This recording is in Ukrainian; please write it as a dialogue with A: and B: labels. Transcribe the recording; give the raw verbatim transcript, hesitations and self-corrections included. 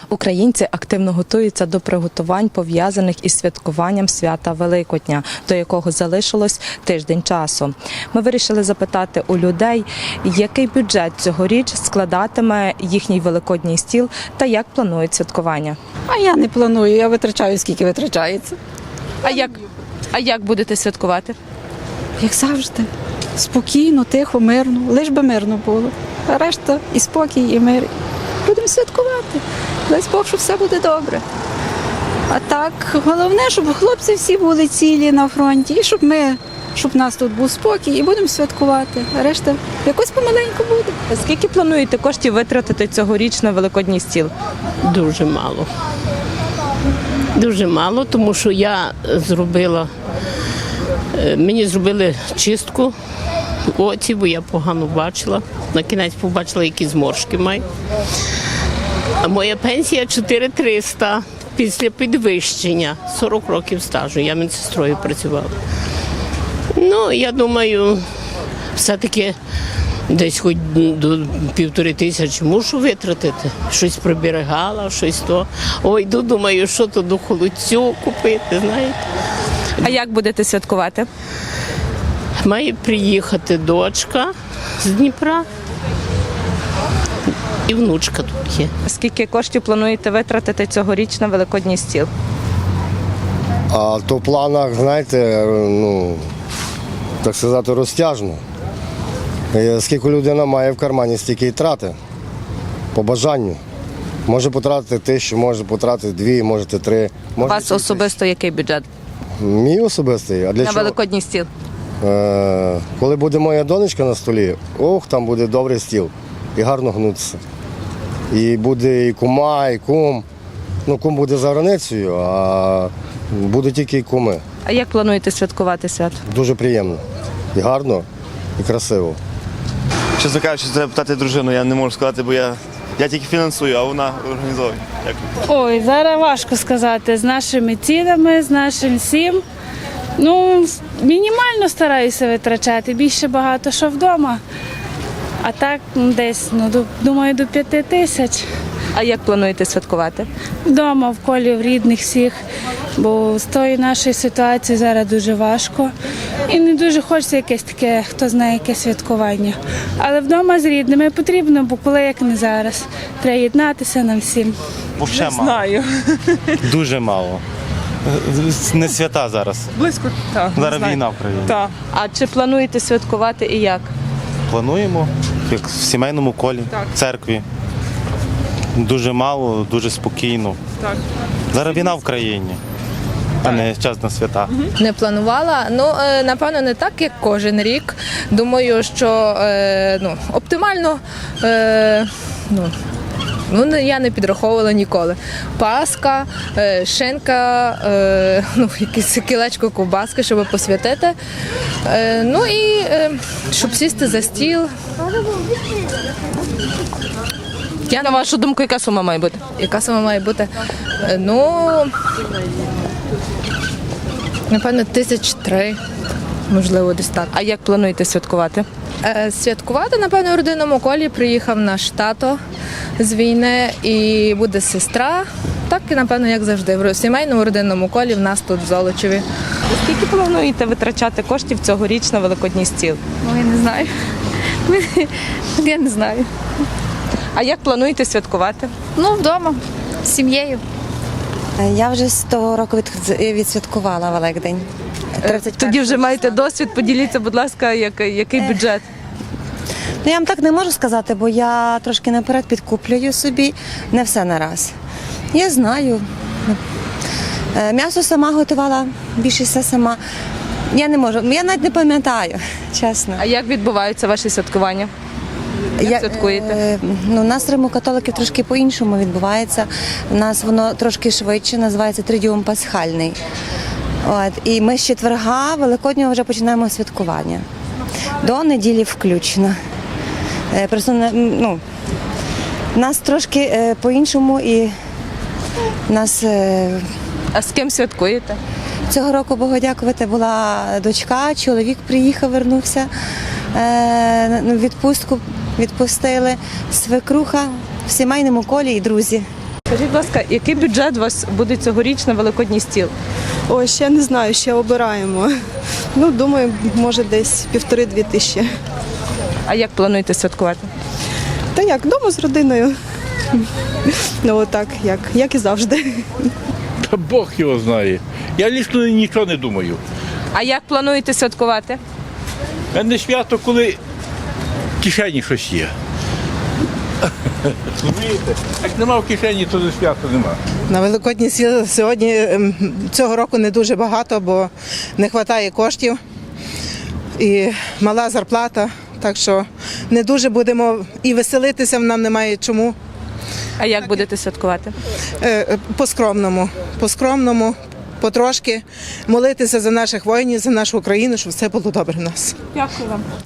A: Українці активно готуються до приготувань, пов'язаних із святкуванням свята Великодня, до якого залишилось тиждень часу. Ми вирішили запитати у людей, який бюджет цьогоріч складатиме їхній великодній стіл та як планують святкування.
B: А я не планую, я витрачаю, скільки витрачається.
A: А як, а як будете святкувати?
B: Як завжди. Спокійно, тихо, мирно. Лиш би мирно було. А решта і спокій, і мир. Будемо святкувати. Дай Бог, що все буде добре. А так, головне, щоб хлопці всі були цілі на фронті, і щоб ми, щоб в нас тут був спокій, і будемо святкувати. А решта якось помаленьку буде.
A: Скільки плануєте коштів витратити цьогоріч на великодній стіл?
C: Дуже мало. Дуже мало, тому що я зробила, мені зробили чистку в оці, бо я погано бачила. На кінець побачила, які зморшки маю. А моя пенсія чотири тисячі триста після підвищення. сорок років стажу, я медсестрою працювала. Ну, я думаю, все-таки десь хоч до півтори тисячі мушу витратити. Щось приберегала, щось то. Ой, йду, думаю, що то до холодцю купити, знаєте.
A: А як будете святкувати?
C: Має приїхати дочка з Дніпра і внучка тут є.
A: Скільки коштів плануєте витратити цьогоріч на великодній стіл?
D: А то в планах, знаєте, ну, так сказати, розтяжно. І скільки людина має в кармані, стільки й трати. По бажанню. Може потратити тисячу, може потратити дві, можете три.
A: У
D: Може
A: вас особисто який бюджет
D: Мій особистий. А для
A: на
D: чого?
A: великодній стіл?
D: Е, коли буде моя донечка на столі, ох, там буде добрий стіл. І гарно гнутися. І буде і кума, і кум. Ну, кум буде за границею, а буде тільки і куми.
A: А як плануєте святкувати свято?
D: Дуже приємно. І гарно, і красиво.
E: Чесно кажучи, треба питати дружину, я не можу сказати, бо я, я тільки фінансую, а вона організовує. Дякую.
F: Ой, зараз важко сказати. З нашими цінами, з нашим всім. Ну, мінімально стараюся витрачати, більше багато що вдома. А так ну, десь, ну, до- думаю, до п'яти тисяч.
A: А як плануєте святкувати?
F: Вдома, в колі, в рідних всіх. Бо з тої нашої ситуації зараз дуже важко. І не дуже хочеться якесь таке, хто знає, яке святкування. Але вдома з рідними потрібно, бо коли як не зараз. Треба єднатися нам всім.
G: Вовше мало.
A: Знаю.
G: Дуже мало. Не свята зараз.
A: Близько. Так,
G: Зараз війна в країні.
A: Так. А чи плануєте святкувати і як?
G: Плануємо, як в сімейному колі, в церкві. Дуже мало, дуже спокійно.
A: Так.
G: Зараз війна в країні, а не час на свята.
H: Не планувала. Ну, е, напевно, не так, як кожен рік. Думаю, що е, ну, оптимально е, ну, ну, я не підраховувала ніколи. Паска, е, шинка, е, ну, якесь кілечко ковбаски, щоб посвятити. Е, ну і е, щоб сісти за стіл.
A: Я, на вашу думку, яка сума має бути?
H: Яка сама має бути? Е, ну, напевно, тисяч три, можливо, десь так.
A: А як плануєте святкувати?
H: Е, Святкувати, напевно, в родинному колі приїхав наш тато з війни і буде сестра. Так, і, напевно, як завжди, в сімейному родинному колі в нас тут в Золочеві.
A: Скільки плануєте витрачати коштів цьогоріч на великодній стіл?
I: Ну, я не знаю. Я не знаю.
A: А як плануєте святкувати?
I: Ну, вдома, з сім'єю.
J: Я вже з того року від- відсвяткувала Великдень. тридцять
A: Тоді вже маєте досвід, поділіться, будь ласка, який, який бюджет?
J: Ну, я вам так не можу сказати, бо я трошки наперед підкуплюю собі, не все на раз. Я знаю. Е, М'ясо сама готувала, більше все сама. Я не можу, я навіть не пам'ятаю, чесно.
A: А як відбуваються ваші святкування? Як святкуєте?
J: е, ну, у нас римо-католиків трошки по-іншому відбувається. У нас воно трошки швидше, називається Тридіум Пасхальний. От, і ми з четверга Великоднього вже починаємо святкування. До неділі включно. Е, Просто не- ну, нас трошки е, по-іншому і нас е,
A: А з ким святкуєте?
J: цього року, Богу дякувати, була дочка, чоловік приїхав, вернувся, е, на відпустку відпустили, свекруха в сімейному колі і друзі.
A: Скажіть, будь ласка, який бюджет у вас буде цьогоріч на великодній стіл?
K: Ой, ще не знаю, ще обираємо. Ну, думаю, може десь півтори-дві тисячі.
A: А як плануєте святкувати?
K: Та як, вдома з родиною. Ну, отак, як, як і завжди.
L: Та Бог його знає. Я лічно нічого не думаю.
A: А як плануєте святкувати?
L: У мене свято, коли в кишені щось є. Розумієте? Як нема в кишені, то свято нема.
M: На Великодні сіл сьогодні ем, цього року не дуже багато, бо не вистачає коштів і мала зарплата. Так що не дуже будемо і веселитися нам немає чому.
A: А як будете святкувати?
M: Е, По-скромному, по-скромному, потрошки молитися за наших воїнів, за нашу Україну, щоб все було добре в нас.
A: Дякую вам.